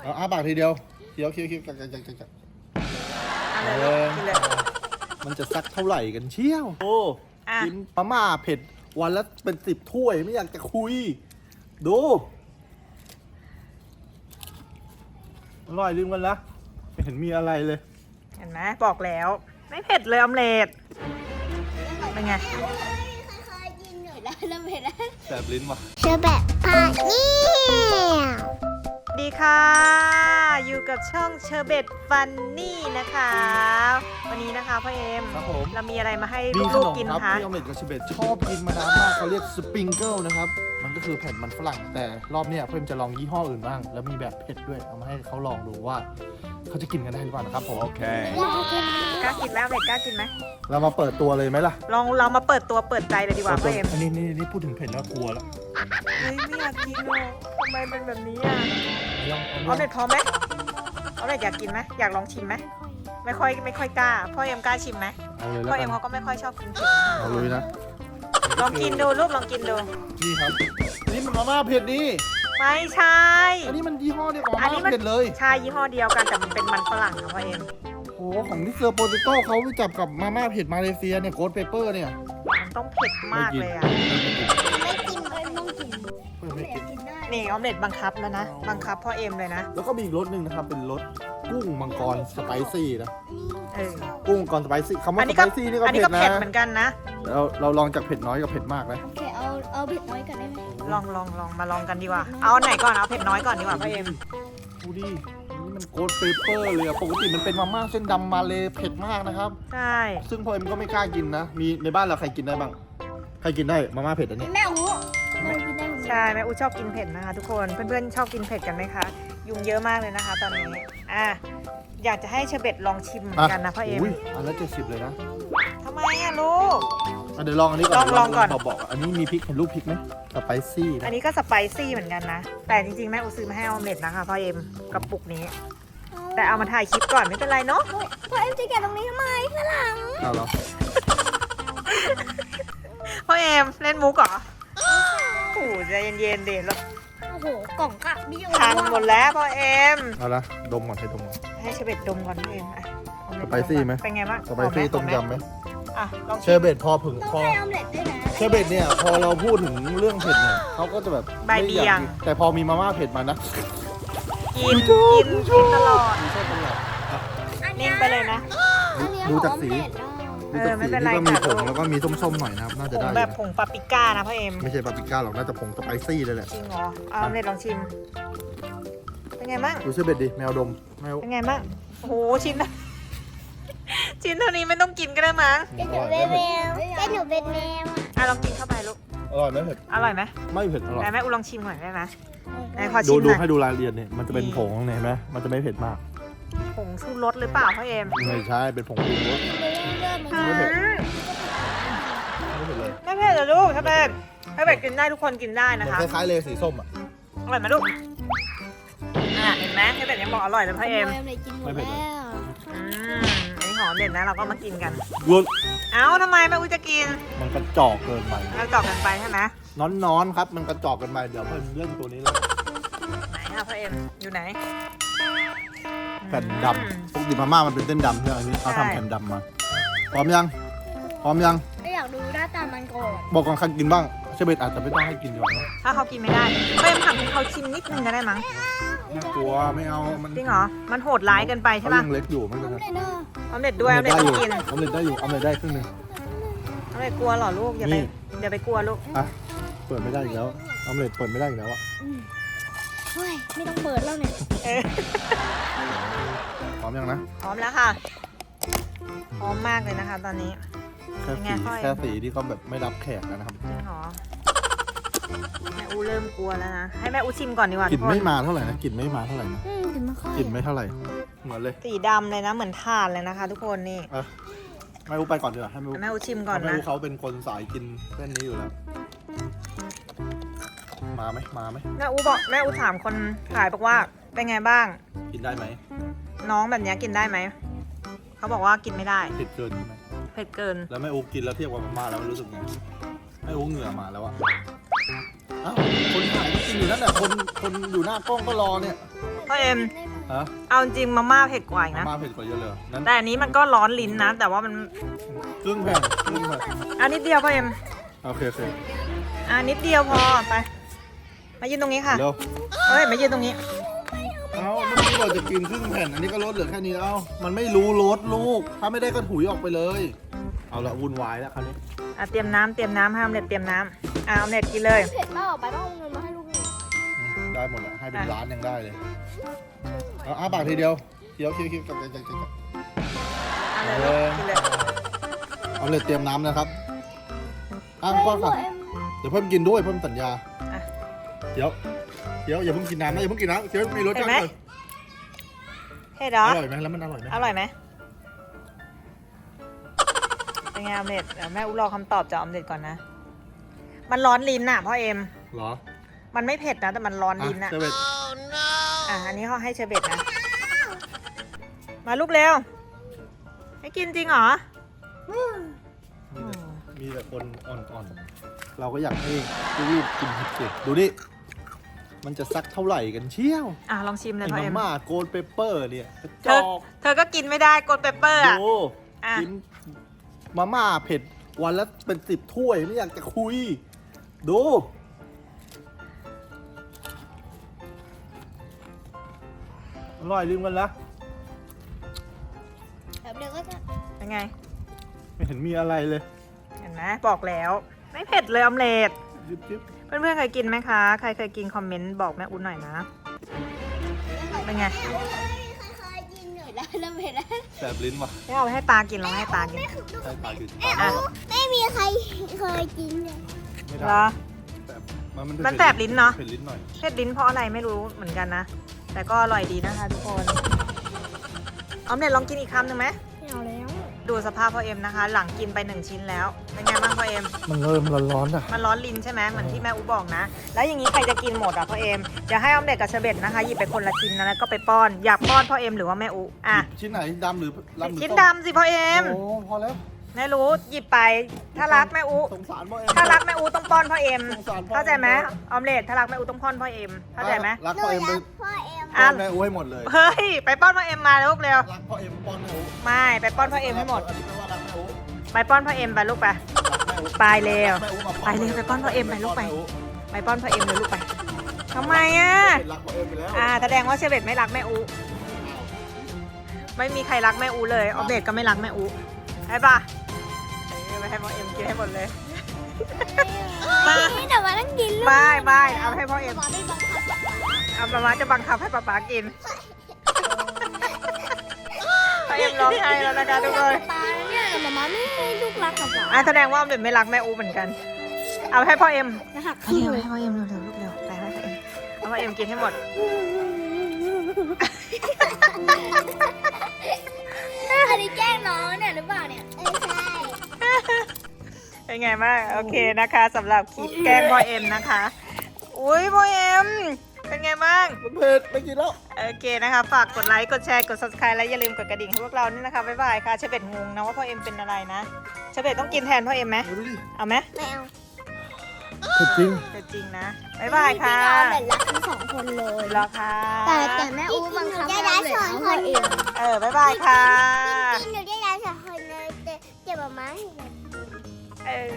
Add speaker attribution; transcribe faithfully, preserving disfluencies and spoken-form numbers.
Speaker 1: เอาอ้าปากทีเดียวเคี้ยวเคี้ยวเคี้ยวกักกักกักกัก
Speaker 2: เอาเลยกินเลย
Speaker 1: มันจะสักเท่าไหร่กันเชี่ยวโอ้
Speaker 2: อ่ะ
Speaker 1: กินมาม่าเผ็ดวันละเป็นสิบถ้วยไม่อยากจะคุยดูอร่อยลืมกันละไม่เห็นมีอะไรเลย
Speaker 2: เห็นไหมบอกแล้ว ไม่เผ็ดเลยออมเล็ตเป็นไง
Speaker 3: เคยกินหน่อยแล้วแล้วไม่ได้
Speaker 1: แสบลิ้นว่ะ
Speaker 3: เชอแบบพาเนี่ย
Speaker 2: ดีค่ะ อยู่กับช่องเชอร์เบตฟันนี่นะคะ วันนี้นะคะพ่อเอ็ม
Speaker 1: ครับผม
Speaker 2: เรามีอะไรมาให้
Speaker 1: มีข
Speaker 2: ลูก
Speaker 1: นม
Speaker 2: ๆกิน
Speaker 1: ครับ
Speaker 2: คะ
Speaker 1: ที่ออมเล็ตกับเชเบตชอบกินมานานมากเขาเรียกสปริงเกิลนะครับมันก็คือแผ่นมันฝรั่งแต่รอบเนี้ยเพื่อนจะลองยี่ห้ออื่นบ้างแล้วมีแบบเผ็ดด้วยเอามาให้เขาลองดูว่าเขาจะกินกันได้หรือเปล่านะครับผมโอเค
Speaker 2: กล้ากินไหมออมเล็ตกล้ากินไหม
Speaker 1: เรามาเปิดตัวเลยไหมล่ะ
Speaker 2: ลองเรามาเปิดตัวเปิดใจเลยดีกว่าพ่อเอ็ม
Speaker 1: อันนี้นี่นี่พูดถึงเผ็ดแล้วกลัวแล้ว
Speaker 2: เฮ้ยไม่อยากกินหรอกทำไมเป็นแบบนี้อ่ะ
Speaker 1: ลอง
Speaker 2: ออม
Speaker 1: เอา
Speaker 2: เล็ตพร้อมไหมออมเล็ตอยากกินไหมอยากลองชิมไหมไม่ค่อยไม่ค่อยกล้าพ่อเอ็มกล้าชิมไหม
Speaker 1: เอาเลยแล้
Speaker 2: พ่อ
Speaker 1: ว
Speaker 2: เอ็
Speaker 1: กั
Speaker 2: ม
Speaker 1: น
Speaker 2: เขาก็ไม่ค่อยชอบกินเผ็ด
Speaker 1: เอาเลยนะ
Speaker 2: ลองกินดูลูกลองกินดู
Speaker 1: นี่ครับอันนี้มันมาม่าเผ็ดนี่
Speaker 2: ไม่ใช่
Speaker 1: อันนี้มันยี่ห้อเดียวกับมา
Speaker 2: อันนี้
Speaker 1: ม่า
Speaker 2: มัน
Speaker 1: เผ็ดเลย
Speaker 2: ใช่ยี่ห้อเดียวกันแต่มันเป็นมันฝรั่งค่ะพ่อเอ็ม
Speaker 1: โอ้โหของที่เซอร์โปเตโต้เขาไปจับกับมาม่าเผ็ดมาเลเซียเนี่ยโกดเปเปอร์เนี่ย
Speaker 2: มันต้องเผ็ดมากเลยอ่ะ
Speaker 3: ไม่กินเลยไม่ต้องกิน
Speaker 1: เพื่อนไม่กิน
Speaker 3: กินได้
Speaker 2: นี่ออมเล็ตบังคับแล้วนะ บังคับพ่อเอ็มเลยนะ
Speaker 1: แล้วก็มีอีกรสหนึ่งนะครับ เป็นรสกุ้งมังกรสไปซี่นะ
Speaker 2: เออ
Speaker 1: กุ้งมังกรสไปซี่คำ
Speaker 2: อั
Speaker 1: ว่าน ส
Speaker 2: นี้
Speaker 1: ไป
Speaker 2: ก็
Speaker 1: ซี่นี่ก็
Speaker 2: อันนี้
Speaker 1: เผ็
Speaker 2: ก็
Speaker 1: ดนะ
Speaker 2: เผ็ดเหมือนกันนะ
Speaker 1: เราเราลองจากเผ็ดน้อยกับเผ็ดมากนะ
Speaker 3: โอเคเอาเอาเผ็ดน้อยก่อนได้ไหม
Speaker 2: ลองลองลองมาลองกันดีกว่า เอาอันไหนก่อนเอาเผ็ดน้อยก่อนดีกว่าพ่อเอ็ม
Speaker 1: ดูดิอันนี่มันโกดเปเปอร์เลยอะปกติมันเป็นมาม่าเส้นดำมาเลเผ็ดมากนะครับ
Speaker 2: ใช่
Speaker 1: ซึ่งพ่อเอ็มก็ไม่กล้ากินนะ มีในบ้านเราใครกินได้บ้าง ใครกินได้มาม่าเผ็ดอันนี้
Speaker 3: แม่อูเรากินได้หมด
Speaker 2: ใช่แม่อูชอบกินเผ็ดนะคะทุกคน เพื่อนๆชอบกินเผ็ดกันไหมคะ ยุงเยอะมากเลยนะคะ ตอนนี้ อ่ะ อยากจะให้เชอร์เบตลองชิมเหมือนกันนะพ่อเอ็ม
Speaker 1: ยอันละเจ็ดสิบเลยนะ
Speaker 2: ทำไมอะลูก
Speaker 1: อ่ะเดี๋ยวลองอันนี้ก่อน
Speaker 2: ลองลองก่อน
Speaker 1: บอกบอกอันนี้มีพริกเห็นรูปพริกไหมสไปซี่นะ
Speaker 2: อันนี้ก็สไปซี่เหมือนกันนะ แต่จริงๆแม่อูซื้อมาให้ออมเล็ตนะคะพ่อเอ็มกระปุกนี้ แต่เอามาถ่ายคลิปก่อนไม่เป็นไรเนาะ
Speaker 3: พ่อเอ็มจะแกะตรงนี้ทำไมฝรั่ง
Speaker 1: เอาเหรอ
Speaker 2: พ่อเอ็มเล่นมุกเหรอโอ้โหใจเย็นๆเดี๋ยวเรา
Speaker 3: โอ้โหกล่องกะบิโอ
Speaker 2: พังหมดแล้วพ่อเอ็ม
Speaker 1: เอาละดมก่อนให้ดมก่อน
Speaker 2: ให้เชอร์เบตดมก่อนพ่อเอ็มอ่ะออเล็ต
Speaker 1: สไปซี่ไหม
Speaker 2: เป็นไงบ้าง
Speaker 1: สไปซี่
Speaker 2: ห
Speaker 1: ต้
Speaker 2: อ
Speaker 1: ม
Speaker 2: ไห
Speaker 1: ยำไหม
Speaker 2: อ่ะลอง
Speaker 1: เช
Speaker 2: ชิ
Speaker 1: อ
Speaker 2: ม
Speaker 1: ร์เบตพอผึ่ง
Speaker 3: ต้อง
Speaker 1: พอ
Speaker 3: ให้ออมเล็ตด้วยนะ
Speaker 1: เชอร์เบตเนี่ยพอเราพูดถึงเรื่องเผ็ดเนี่ยเขาก็จะแบบ
Speaker 2: ใบเบี่ยง
Speaker 1: แต่พอมีมาม่าเผ็ดมานะ
Speaker 2: กินกินกินตลอด
Speaker 1: ไม่ใช่ตลอด
Speaker 2: นิ่งไปเลยนะ
Speaker 3: อันเนี้ย
Speaker 1: ดูจากสี
Speaker 3: ของออมเล็ตอ่ะ
Speaker 1: ดูจาก
Speaker 2: เออไม่
Speaker 1: สี
Speaker 2: เป็นไร
Speaker 1: นี่ก็มี
Speaker 2: ค่ะ
Speaker 1: ผง
Speaker 2: ลูก
Speaker 1: แล้วก็มีส้มๆหน่อยนะครับ น่า
Speaker 2: ผ
Speaker 1: จะ
Speaker 2: ง
Speaker 1: ได้
Speaker 2: แบบผงปาปริก้านะพ่อเอ็ม
Speaker 1: ไม่ใช่ปาปริก้าหรอกน่าจะผงสไปซี่เลยแหละ
Speaker 2: จริงเหรอเอาออมเล็ตลองชิม เป็นไงบ้าง
Speaker 1: ดูเชอร์เบตดิแมวดมแมว
Speaker 2: เป็นไงบ้างโอ้โหชิ้นนะ ชิ้นเท่านี้ไม่ต้องกินก็ได้มั้ง
Speaker 3: แกหนูเป็นแมวแกหนูเป็นแมวอ่ะ
Speaker 2: อ่ะลองกินเข้าไปลูก
Speaker 1: อร่อยไหมเผ็ด
Speaker 2: อร่อยไหม
Speaker 1: ไม่เผ็ดอร่อย
Speaker 2: ไหนแม่อูลองชิมหน่อยได้ไหมไหนขอ
Speaker 1: ดู
Speaker 2: ชิม
Speaker 1: ดู
Speaker 2: หน่อย
Speaker 1: ให้ดูรายละเอียดเนี่ยมันจะเป็นผงเนี่ยเห็นไหมมันจะไม่เผ็ดมาก
Speaker 2: ผงชูรสหรือเปล่าพ่อเอ็ม
Speaker 1: ไม่ใช่เป็นผงปรุงรส
Speaker 3: เริ่มเริ่ม
Speaker 1: ไม่เผ็ด
Speaker 2: อืม
Speaker 1: ไม่เผ็ดเลย
Speaker 2: ไม่เผ็ดเหรอลูกถ้าเผ็ดถ้าเผ็ดกินได้ทุกคนกินได้
Speaker 1: เหมื
Speaker 2: นะ
Speaker 1: อน
Speaker 2: คะ
Speaker 1: คล้ายๆเลยสีส้มอ่ะ
Speaker 2: อร่อยไหมลูกอ่ะเห็นไหมถ้าเผ็ดยังบอกอร่อยเลยพ่อเอ็ม
Speaker 3: เลยกินหมด
Speaker 1: ไม่เผ็ด
Speaker 3: แล้ว
Speaker 2: อืมอันนี้หอมเด็ดนะเราก็มากินกัน
Speaker 1: รส
Speaker 2: เอ้าทำไมแม่อูจะกิน
Speaker 1: มันกระจอกเกินไป
Speaker 2: เราตอบกันไปใช่ไหม
Speaker 1: น้อนๆครับ มันกระจอกกันไปเดี๋ยวเพิ่นเล่นตัวนี้เลย
Speaker 2: ไหนคะพ่อเอ็มอยู่ไหน
Speaker 1: แผ่นดำปกติมาม่ามันเป็นเส้นดำใช่ไหมอันนี้เขา
Speaker 2: ใช่
Speaker 1: ทำแผ่นดำมาพร้อมยังพร้อมยัง
Speaker 3: ก็อยากดูหน้าตามันก่อน
Speaker 1: บอกก่อนใครกินบ้างเชเบตอาจจะไม่ต้องให้กินดีกว่านะ
Speaker 2: ถ้าเขากินไม่ได้พ่อเอ็มทำให้เขาชิมนิดนึงก็ได้มั้ง
Speaker 1: น่ากลัวไม่เอามัน
Speaker 2: จริงเหรอมันโหดร้ายเกินไปใช่
Speaker 1: เขา
Speaker 2: ป่ะ
Speaker 1: ยังเล็กอยู่ไม่เป็นไร
Speaker 3: เลยเนอะ
Speaker 2: ออมเด็ดด้วยออมเด็ด
Speaker 1: ได้
Speaker 2: ต้
Speaker 1: อ
Speaker 2: อง
Speaker 1: ยู่
Speaker 2: กิน
Speaker 1: ออมเล็ตได้อยู่ออมเล็ตได้ครึ่งหนึง
Speaker 2: ออมเด็ดกลัวเหรอลูกอย่าไป
Speaker 1: นี่
Speaker 2: อย่าไปกลัวลูก
Speaker 1: อ่ะเปิดไม่ได้อีกแล้วออมเล็ตเปิดไม่ได้อีกแล้วอ่ะ
Speaker 3: เฮ้ยไม่ต้องเปิดแล้วเนี่ย
Speaker 2: เออ
Speaker 1: พร้อมยังนะ
Speaker 2: พร้อมแล้วค่ะพร้อมมากเลยนะคะ ตอนนี้
Speaker 1: แค่
Speaker 2: เป็นไง
Speaker 1: สี
Speaker 2: พ่อย
Speaker 1: แค่สีที่เขาแบบไม่รับแขกนะครับ
Speaker 2: จริงเหรอแม่อูเริ่มกลัวแล้วนะให้แม่อูชิมก่อนดีกว่าก
Speaker 1: ลิ่
Speaker 2: ทุ
Speaker 1: น
Speaker 2: กคน
Speaker 1: ไม่มาเท่าไหร่นะกลิ่นไม่มาเท่าไหร่นะ
Speaker 3: อืมถึงไม่ค่อย
Speaker 1: กลิ่นไม่เท่าไหร่เหมือนเลย
Speaker 2: สีดำเลยนะเหมือนถ่านเลยนะคะ ทุกคนนี่
Speaker 1: อ่ะไม่รู้ไปก่อนดีกว่าให้ไม่รู้
Speaker 2: แม่อูชิมก่อน
Speaker 1: ไม่
Speaker 2: นะ
Speaker 1: รู้เขาเป็นคนสายกินเส้นนี้อยู่แล้ว มาไหมมาไหม
Speaker 2: แม่อูบอกแม่อูถามคนขายบอกว่าเป็นไงบ้าง
Speaker 1: กินได้ไหม
Speaker 2: น้องแบบนี้กินได้ไหมเขาบอกว่ากินไม่ได้
Speaker 1: เผ็ดเกินใช่ไหม
Speaker 2: เผ็ดเกิน
Speaker 1: แล้วแม่อูกินแล้วเทียบกับมาม่าแล้วมันรู้สึกไงแม่อูเหงื่อมาแล้วอะอ้าวคนถ่ายก็กินอยู่นั่นแหละคนคนอยู่หน้ากล้องก็รอเนี่ย
Speaker 3: เ
Speaker 2: พ่อเอ็ม
Speaker 1: ฮะ
Speaker 2: เอาจริงมาม่าเผ็ดกว่าอีก
Speaker 1: มา
Speaker 2: นะ
Speaker 1: ม่าเผ็ดกว่าเยอะเลยนั้น
Speaker 2: แต่อันนี้มันก็ร้อนลิ้นนะ แต่ว่ามัน
Speaker 1: ครึ่งแผ่นครึ่งแผ่น
Speaker 2: อันนิดเดียวพ่อเอ็ม
Speaker 1: โอเคโอเค
Speaker 2: อ่านิดเดียวพอไป มายืนตรงนี้ค่ะ
Speaker 1: เร็ว
Speaker 2: เฮ้ยมายืนตรงนี้
Speaker 1: เอาเมื่อกี้เราจะกินครึ่งแผ่น อันนี้ก็ลดเหลือแค่นี้แล้ว มันไม่รู้ลดลูก ถ้าไม่ได้ก็ถุยออกไปเลย เอาละวุ่นวายแล้วคราวนี้
Speaker 2: อ่ะเตรียมน้ำเตรียมน้ำให้ออมเล็ตเตรียมน้ำอ่ะออมเล็ตกินเลย
Speaker 3: เผ็ดมากออกไปต้องเอาเงินมาให้ลูกหนู
Speaker 1: อืมได้หมดแหละให้เป็นร้านยังได้เลย เอาอ้าปากทีเดียวเคี้ยวเคี้ยวเคี้ยวกับกับกับกับ
Speaker 2: เอาเลยลูกกินเลย
Speaker 1: เอาเลยเตรียมน้ำนะครับอ้างป้อนค่ะเดี๋ยวเพิ่มกินด้วยเพิ่มสัญญา
Speaker 2: อ่ะ
Speaker 1: เดี๋ยวเดี๋ยวอย่าเพิ่งกินน้ำนะอย่าเพิ่งกินน้ำเคี้ยวมีรสชาติเลย
Speaker 2: เผ็ดเหรอ
Speaker 1: อร่อยไหมแล้วมันอร่อยไหม
Speaker 2: อร่อยไหมเป็นไงออมเล็ตเดี๋ยวแม่อุ้รอคำตอบจากออมเล็ตก่อนนะ มันร้อนลิ้นน่ะพ่อเอ็ม
Speaker 1: เหรอ
Speaker 2: มันไม่เผ็ดนะแต่มันร้อนลิ้น
Speaker 1: อ่ะ
Speaker 2: น่ะ
Speaker 1: เซเว่น
Speaker 2: อ่ะอันนี้เขาให้เชอร์เบตนะ มาลูกเร็ว ให้กินจริงเหรอ
Speaker 1: มีแต่มีแต่คนอ่อนๆ เราก็อยากให้รีบๆกินเผ็ดๆดูดิมันจะสักเท่าไหร่กันเชี่ยว
Speaker 2: อ่ะลองชิมเลย
Speaker 1: ไอ้
Speaker 2: พ่อ
Speaker 1: มา
Speaker 2: เอ็ม
Speaker 1: ม่าโกลเปเปอร์เนี่ยกระจ
Speaker 2: เธอ
Speaker 1: อก
Speaker 2: เธอก็กินไม่ได้กดเปเปอร์อ่ะ
Speaker 1: ดู
Speaker 2: อ่ะ
Speaker 1: กินมาม่าเผ็ดวันละเป็นสิบถ้วยไม่อยากจะคุย ดูอร่อยลืมกันละ
Speaker 3: แบบเดียวก็จะ
Speaker 2: เป็นไง
Speaker 1: ไม่เห็นมีอะไรเลย
Speaker 2: เห็นไหมบอกแล้ว ไม่เผ็ดเลยออมเล็ต
Speaker 1: ยิบยิบ
Speaker 2: เพื่อนๆเคยกินไหมคะ ใครเคยกินคอมเมนต์บอกแม่อุ้นหน่อยนะ เป็นไง
Speaker 3: เคยกินหน่อยแล้วแล้วเผ็ดแล้ว
Speaker 1: แสบลิ้นว่ะ
Speaker 2: ไม่เอาไปให้ตากินลองให้ตากิน
Speaker 1: ใช่ปลาคือ
Speaker 2: อ่ะ
Speaker 3: ไม่มีใครเคยกินเลย
Speaker 1: ไม่
Speaker 2: เหร
Speaker 1: ได้
Speaker 2: อ
Speaker 1: แสบมัน
Speaker 2: มันแสบลิ้นเนอะ
Speaker 1: เผ็ดลิ้นหน่อย
Speaker 2: เผ็ดลิ้นเพราะอะไรไม่รู้เหมือนกันนะ แต่ก็อร่อยดีนะคะทุกคนออมเล็ตลองกินอีกคำหนึ่งไหม
Speaker 3: ไม่เอาแล้ว
Speaker 2: ดูสภาพพ่อเอ็มนะคะ หลังกินไปหนึ่งชิ้นแล้ว เป็นไงบ้างพ่อเอ็ม
Speaker 1: มันเริ่มร้อนๆอ่ะ
Speaker 2: มันร้อนลิ้นใช่ไหมเหมือนที่แม่อูบอกนะ แล้วอย่างนี้ใครจะกินหมดอ่ะพ่อเอ็มเดี๋ยวให้ออมเล็ตกับเชอร์เบตนะคะหยิบไปคนละชิ้นนะแล้วก็ไปป้อน อยากป้อนพ่อเอ็มหรือว่าแม่อูอ่ะ
Speaker 1: ชิ้นไหนดำหรือดำหรือ
Speaker 2: ชิ้น
Speaker 1: ส้ม
Speaker 2: ดำสิพ่อเอ็ม
Speaker 1: โอ้พอแล้ว
Speaker 2: แม่รู้หยิบไปถ้ารักแม่อู
Speaker 1: สงสารพ่อเอ็ม
Speaker 2: ถ้ารักแม่อูต้องป้อนพ่อเอ็ม
Speaker 1: สงสารพ่อ
Speaker 2: เข้าใจไหมออมเล็ตถ้ารักแม่อูต้องป้อนพ่อเอ็มเข้าใจไหม
Speaker 1: รักพ่อเอ็มไป
Speaker 3: พ่อเอ็ม
Speaker 1: ป้อนแม่อู้ให้หมดเลย
Speaker 2: เฮ้ยไปป้อนพ่อเอ็มมาลูกเร็ว
Speaker 1: รักพ่อเอ็มป้อนแม่อู้
Speaker 2: ไม่ไปป้อนพ่อเอ็มให้หมด
Speaker 1: อันนี้แปลว่ารักแม่อู้
Speaker 2: ไปป้อนพ่อเอ็มไปลูกไป
Speaker 1: รักแม่อู้
Speaker 2: ไปเร็ว
Speaker 1: รักแม่อู้มา
Speaker 2: ไปเร็วไปป้อนพ่อเอ็มไปลูกไป
Speaker 1: แม่อู้
Speaker 2: ไปป้อนพ่อเอ็มเลยลูกไปทำไมอ่ะ
Speaker 1: รักพ่อเอ็มไปแล้ว
Speaker 2: อ่าแสดงว่าเชเบตไม่รักแม่อูไม่มีใครรักแม่อูเลยออมเล็ตก็ไม่รักแม่อูใช่ปะเออไปให้พ่อเอ็มกินให้หมดเลย มา
Speaker 3: ไม่แต่ว่าต้องกินลูก
Speaker 2: ไม่ไม่เอาให้พ่อเอ็ม
Speaker 3: หมอไม่บังคับ
Speaker 2: เอาประมาจะบังคับให้ป๊าป๊ากินพ่อเอ็มร้องไห้แล้วนะคะทุกคน
Speaker 3: ปลาเนี่ยแต่หมอไม่ให้ลูกรักกับหมอ
Speaker 2: อ่ะแสดงว่าออมเล็ตไม่รักแม่อูเหมือนกัน เอาให้พ่อเอ็ม
Speaker 3: นะหัก
Speaker 2: เร็วให้พ่อเอ็มเร็วเร็วลูกเร็วไปให้พ่อเอ็มเอาพ่อเอ็มกินให้หมด
Speaker 3: อันนี้แกล้งน้องเนี่ยหรือเปล่าเนี่ยเออใช่
Speaker 2: เป็นไงบ้างโอเคนะคะสำหรับคลิปแกล้งพ่อเอ็มนะคะ อุ้ยพ่อเอ็มเป็นไงบ้าง
Speaker 1: มันเผ็ดไม่กินแล้ว
Speaker 2: โอเคนะคะฝากกดไลค์กดแชร์กด ซับสไครบ์และอย่าลืมกดกระดิ่งให้พวกเรานี่นะคะบ๊ายบายค่ะเชเบตงงนะว่าพ่อเอ็มเป็นอะไรนะเชเบตต้องกินแทนพ่อเอ็มไหม
Speaker 1: ดูดิ
Speaker 2: เอาไหม
Speaker 3: ไม่เอา
Speaker 1: เผ็ดจริง
Speaker 2: เป็นจริงนะบ๊ายบายค่ะ
Speaker 3: จริงๆเราแบบรักทั้งสองคนเลย
Speaker 2: รอค่ะ
Speaker 3: แต่แต่แม่อู้บังคับให้เราเลยเอาพ่อเอง
Speaker 2: เออบ๊ายบายค่ะ
Speaker 3: จริงๆหนูได้รักสองคนเลยแต่เจ็บมาให้
Speaker 2: เออ